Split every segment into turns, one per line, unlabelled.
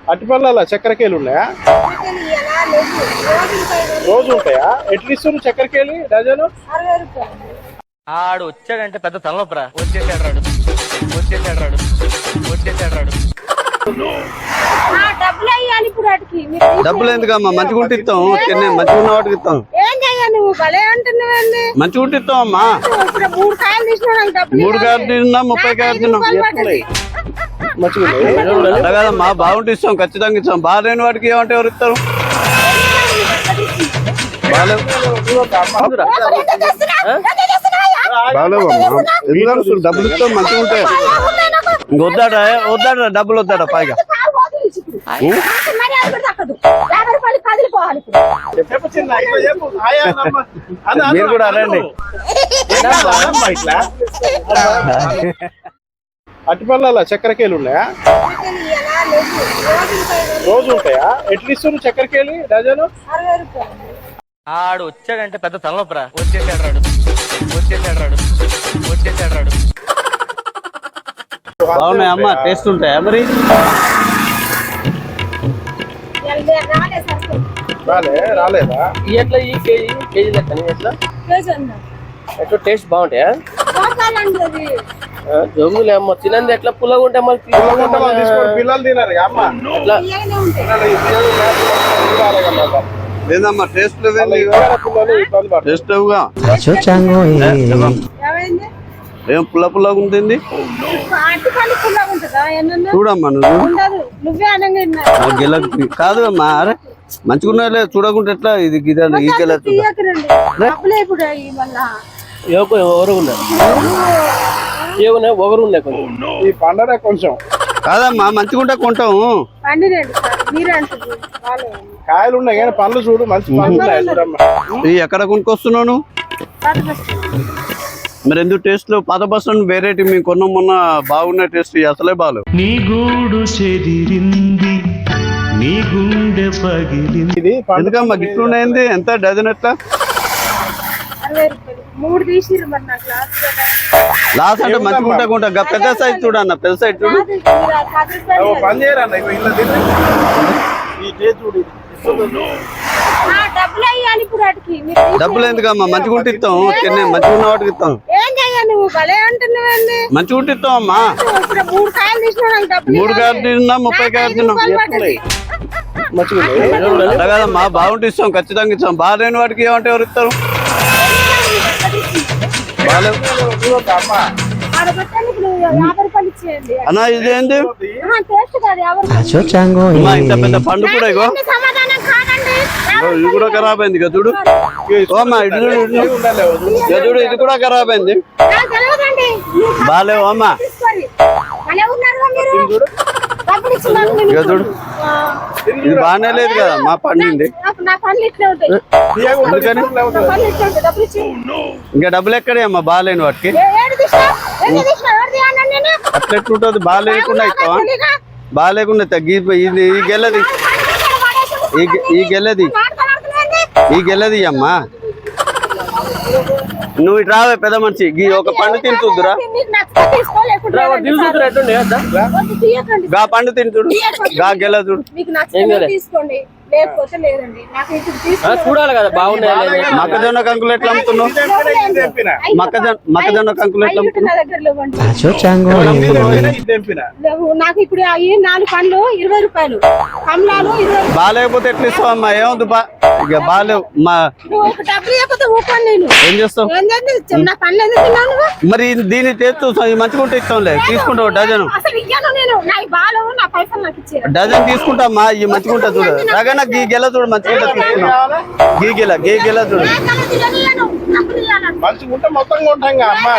అట్టిపల్లలో చక్కెరకేలు ఉన్నాయా? రోజు ఉంటాయా? ఎట్లా ఇస్తున్నారు చక్కెరకేళి డజను?
ఆడు వచ్చాడంటే పెద్ద తలనొప్పరా. వచ్చేసాడు
డబ్బులు ఎందుకమ్మా? మంచిగా ఉంటే ఇస్తాం. మంచిగా ఉన్న వాటికి ఇస్తాం. మంచిగా ఉంటే ఇస్తాం అమ్మా. 3 కాయలు తిన్నా 30 కాయలు తిన్నాం. అలా కదమ్మా, బాగుంటే ఇస్తాం, ఖచ్చితంగా ఇస్తాం. బాగాలేని వాటికి ఏమంటే ఎవరు ఇస్తారు? బాగాలేవు డబ్బులు ఇస్తాం, మంచిగా ఉంటాయి. వద్దాడా డబ్బులు వద్దాడా పైగా? మీరు కూడా అనండి.
అట్టిపల్లలో చక్కెరకేలు ఉన్నాయా? రోజు ఉంటాయా? ఎట్లా ఇస్తున్నారు చక్కెరకేళి డజను?
ఆడు వచ్చాడంటే పెద్ద తలనొప్పరా. వచ్చేసాడు
బాగున్నాయి అమ్మా, టేస్ట్ ఉంటాయా మరి?
రాలేదా?
ఎట్లా ఈ కేజీ లెక్క ఎట్లా టేస్ట్ బాగుంటాయా? జమ్ములే అమ్మ, తినంది ఎట్లా పుల్లగా ఉంటాయి మళ్ళీ
పిల్లలు తినారు అమ్మ.
లేదమ్మా, టేస్ట్ టేస్ట్ ఏం పుల్లగా ఉంటుంది చూడమ్మా. నువ్వు కాదు అమ్మా, అరే మంచిగా ఉన్నాయి లేదు చూడకుంటే ఎట్లా? ఇది గిదాలు ఈ గెల
ఒకరు ఉన్నాయి
ఈ పండగ కొంచెం
కాదమ్మా, మంచిగా ఉంటే కొంటాము.
కాయలు ఉన్నాయి కానీ పండ్లు చూడు, మంచి పండ్లు.
ఎక్కడ కొనుక్కొస్తున్నావు? మరి ఎందుకు టేస్ట్ లో పాత బస్సు వెరైటీ మేము కొన్నాం మొన్న, బాగున్నాయి టేస్ట్, అసలే బాగాలేవు. ఎందుకమ్మా గిట్లు ఉన్నాయండి? ఎంత డజన్ ఎట్లా? లాస్ట్ అంటే మంచిగా ఉంటా కొంటా. పెద్ద సైజ్ చూడన్న, పెద్ద సైజ్ చూడు.
పని చేయరన్న
డబ్బులు ఎందుకమ్మా? మంచిగా ఉంటే ఇస్తాం, మంచిగా ఉన్న వాటికి ఇస్తాం. మంచిగా ఉంటే ఇస్తాం అమ్మా. 3 కాయలు తిన్నా 30 కాయలు తిన్నాం. అలా కదమ్మా, బాగుంటే ఇస్తాం, ఖచ్చితంగా ఇస్తాం. బాగాలేని వాటికి ఏమంటే ఎవరు ఇస్తారు? బాగాలేవు అన్నా, ఇదేంటి ఇంత పెద్ద పండు కూడా? ఇగో ఇది కూడా ఖరాబ్ అయింది కదా చూడు. ఓమ్మా ఇది చూడు, ఇది కూడా ఖరాబ్ అయింది. బాగాలేవు అమ్మా. ఇక చూడు, ఇది బాగానే లేదు కదా మా పండింది. ఇంకా డబ్బులు ఎక్కడే అమ్మా బాగాలేని వాటికి? అట్లా ఎట్లుంటుంది? బాగాలేకుండా ఇస్తావా? బాగాలేకుండా ఇది ఈ గెల్లది, ఈ గెల్లది అమ్మా. నువ్వు ఇటు రావే పెద్ద మనిషి, ఒక పండు తింటుద్దురా. గా పండు తింటుడు, గా గెల్ల చూడు.
చూడాలి కదా బాగున్నాయి.
మొక్కజొన్న కంకులు ఎట్లా అమ్ముతున్నావు? మొక్కజొన్న కంకులు ఎట్లా
నాకు ఇప్పుడు 4 పండ్లు 20 రూపాయలు, కమలాలు 20.
బాగాలేకపోతే ఎట్లా ఇస్తావు అమ్మా? ఏముంది ఇక బాగాలేవు ఏం చేస్తావు మరి? దీన్ని తెచ్చు మంచిగా ఉంటే ఇస్తాంలే, తీసుకుంటావు డజన్. డజన్ తీసుకుంటామ్మా, ఈ మంచిగా ఉంటా చూడు. రగన గీ గెల చూడు, మంచిగా ఉంటా తీసుకున్నావు. గీ గెల చూడు,
మంచిగా ఉంటే మొత్తం కొంటాం అమ్మా.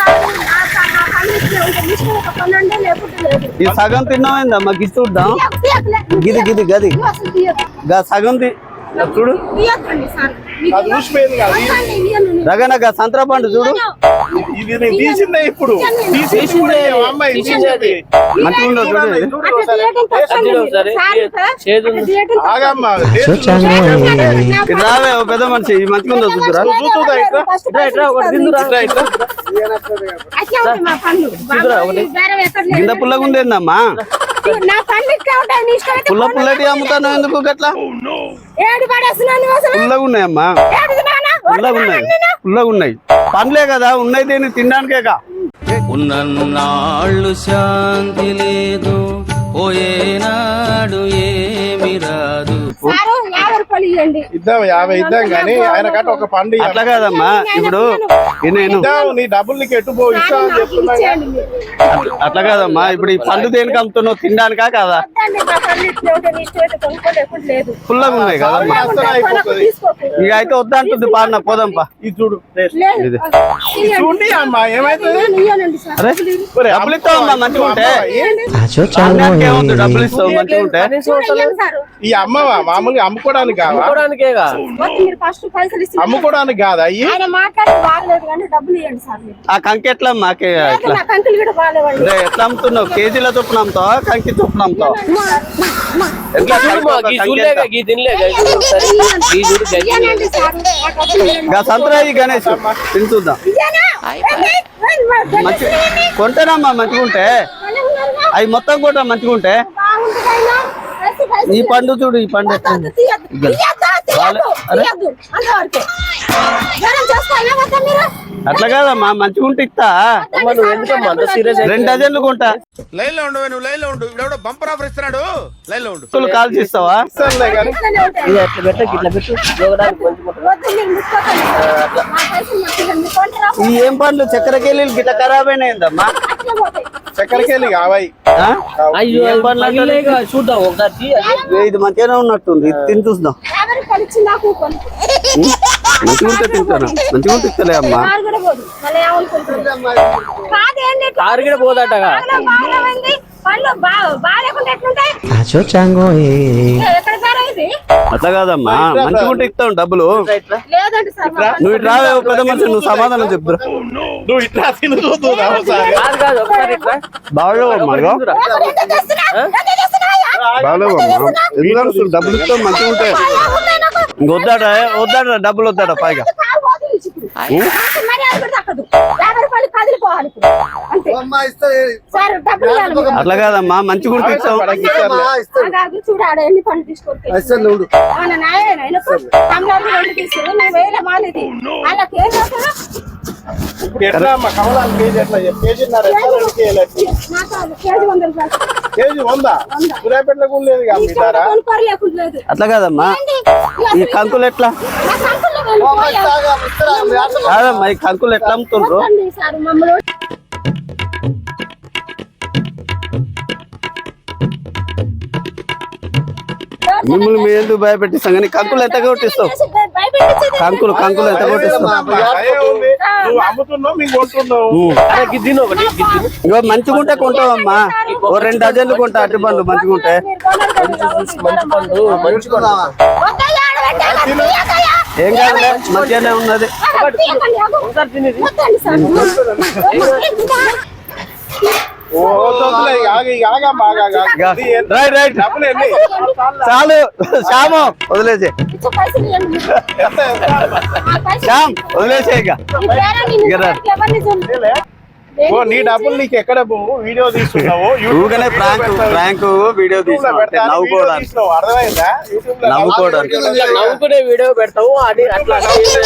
ఈ సగం తిన్నామైందమ్మా, గి చూద్దాం. గది సగం చూడు.
అది ఊసిపోయింది కదా
రగనగా సంతరా పండు చూడు
ఇది నేను తీసిందే ఇప్పుడు తీసిందే అమ్మాయి తీసింది
మంచిగా ఉండదు చూడు ఇది.
ఆగమ్మా
ఇది రావే ఓ పెద్ద మనిషి ఇది మంచిగా ఉందో చూద్దురా
చూస్తుందా ఇట్లా
కింద పుల్లగా ఉందేందమ్మా పుల్ల పుల్లటి అమ్ముతాను ఎందుకు గట్లా పుల్లగా ఉన్నాయమ్మా పుల్లగా ఉన్నాయి పుల్లగా ఉన్నాయి పండ్లే కదా ఉన్నాయి దేని తినడానికేగా ఉన్నన్నాళ్ళు శాంతి లేదు పోయేనాడు ఏమి రాదు
ఇద్దాం 50 ఇద్దాం కానీ ఆయన కట్ట ఒక పండు ఇయ్యాలి.
అట్లా కాదమ్మా ఇప్పుడు నేను
ఇద్దాం నీ డబ్బులు నీకు ఎటు పో ఇస్తా అని చెప్తున్నా
అట్లా కాదమ్మా ఇప్పుడు ఈ పండు దేనికి అమ్ముతున్నావు తినడానికా కాదా పుల్లగా ఉన్నాయి కదమ్మా ఇక అయితే వద్దంటుంది పాడిన పోదాంపా
ఇది చూడు
ఇది
చూడండి అమ్మా ఏమైతుంది
అరే డబ్బులు ఇస్తావమ్మా మంచిగా ఉంటే ఏముంది డబ్బులు ఇస్తావు మంచిగా ఉంటే
ఈ అమ్మవా మామూలుగా అమ్ముకోవడానికి కావా
చూడడానికేగా
అమ్ముకోవడానికి కాదా అయ్యి
ఆ కంకి ఎట్లా మాకే ఎట్లా అదే ఎట్లా అమ్ముతున్నావు కేజీల చొప్పున అమ్ముతావా కంకి చొప్పున అమ్ముతావా ఎట్లా కంకి ఎట్లా? సంతరా గణేష్ తిని చూద్దాం మంచి కొంటేనమ్మా మంచిగా ఉంటే అవి మొత్తం కూడా మంచిగా ఉంటే ఈ పండు చూడు ఈ పండు అట్లా కాదమ్మా మంచిగా ఉంటే ఇస్తా 2 డజన్లు కొంటా
లైన్ లో ఉండు నువ్వు లైన్ లో ఉండు ఇప్పుడు బంపర్ ఆఫర్ ఇస్తున్నాడు లైన్ లో ఉండు
కాల్ చేస్తావా
ఇస్తానులే కానీ
ఈ ఏం పండ్లు చక్కెరకేళీలు గిట్ల ఖరాబ్ అయినాయిందమ్మా
చక్కెరకేళి కావాయి
అయ్యో
ఏం పండ్లు అంటే
చూద్దాం ఒకసారి
ఇది మంచిగానే ఉన్నట్టుంది ఇది తిని చూద్దాం మంచిగా ఉంటే తింటాను మంచిగా ఉంటే ఇస్తలే అమ్మా
కారు కూడా పోదటగా
అట్లా కాదమ్మా మంచిగా ఉంటే ఇస్తాం డబ్బులు నువ్వు ఇటు రావే ఓ పెద్ద మనిషి నువ్వు సమాధానం చెప్పురా
నువ్వు ఇట్లా తిని చూద్దురా ఒకసారి
కాదు కాదు ఒకసారి ఇట్లా
బాగలేవమ్మా బాగలేవమ్మా ఎందుకు డబ్బులు ఇస్తాం మంచిగా ఉంటాయి వద్దాడ వద్దాడ డబ్బులు వద్దాడ పైగా అట్లా కాదమ్మా మంచిగా ఉంటే ఇస్తాం
చూడాడు ఎన్ని పనులు తీసుకొస్తాడు
ఇప్పుడు ఎట్లా అమ్మా కమలాలు కేజీ ఎట్లా కేజీన్నర కేజీ 100 సూర్యాపేటలో కూడా లేదు కదా మీ ధర
అట్లా కాదమ్మా ఈ కంకులు ఎట్లా కాదమ్మా ఈ కంకులు ఎట్లా అమ్ముతుండ్రు మిమ్మల్ని మీరు ఎందుకు భయపెట్టిస్తాం కానీ కంకులు ఎంత కొట్టిస్తావు కంకులు కంకులు ఎంత కొట్టిస్తావు
నువ్వు అమ్ముతున్నావు మేము కొంటున్నావు
ఇగో మంచిగా ఉంటే కొంటావమ్మా ఓ 2 డజన్లు కొంటా అట్టి పండ్లు మంచిగా ఉంటే ఏం కాదులే మంచిగానే ఉన్నది రైట్ రైట్ చాలు శ్యాము వదిలేసే శ్యామ్ వదిలేసే ఇక
నీ డబ్బులు నీకు ఎక్కడ పోవు వీడియో తీసుకున్నావు
ఊరికనే ప్రాంక్ వీడియో తీసుకుంటే నవ్వుకోవడానికి
అర్థమైందా
నవ్వుకోవడానికి
నవ్వుకునే వీడియో పెడతావు అది అట్లా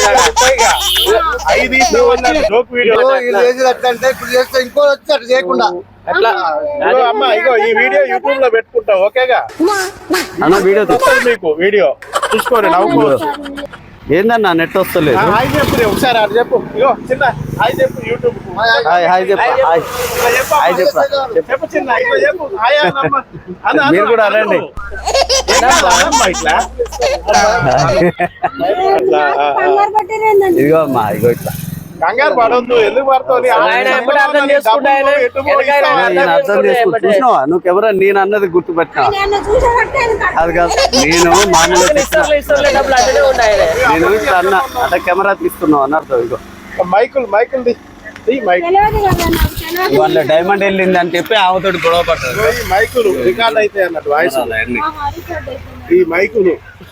5 జోక్ వీడియో
ఇంకో వచ్చి అట్లా చేయకుండా
అట్లా
అమ్మ ఇగో ఈ వీడియో యూట్యూబ్ లో పెట్టుకుంటావు ఓకేగా
అన్న వీడియో
వస్తుంది మీకు వీడియో చూసుకోండి నవ్వుకోవచ్చు
ఏందన్నా నెట్ వస్తలేదు
హాయ్ చెప్పు ఒకసారి అది చెప్పు ఇగో చిన్న హాయ్ చెప్పు యూట్యూబ్
హాయ్ చెప్పు హాయ్ చెప్పు
చెప్పు చిన్న ఇట్లా చెప్పు హాయ్ అన్న
మీరు కూడా అనండి
ఇట్లా
ఇదిగో అమ్మా ఇగో ఇట్లా
కంగారు పడొద్దు, ఎందుకు పడుతుంది?
ఆయన ఎప్పుడు అర్థం చేసుకుంటే ఆయన వెనకాల
నేను అర్థం చేసుకుని చూసినావా నువ్వు ఎవరో నేను అన్నది గుర్తుపెట్టినా
ఆయన చూసేబట్టే ఆయన కట్ట-
అది కాదు నేను మామూలుగా తీసిన.
ఇస్తలే డబ్బులు అట్టనే ఉన్నాయి ఆయన.
నేను ఇట్లా అన్న అంటే కెమెరా తీసుకున్నావు అని అర్థం ఇగో
మైకులు మైక్
తెలియదు కదా నాకు తెలియదు.
వాళ్ళ డైమండ్ వెళ్ళింది అని చెప్పి ఆమెతోటి గొడవ పడ్డారు
ఈ మైకులు రికార్డ్ అయితే అన్నట్టు వాయిస్
అవన్నీ.
ఆహా, రికార్డ్ అయిపోయింది.
ఈ మైకులు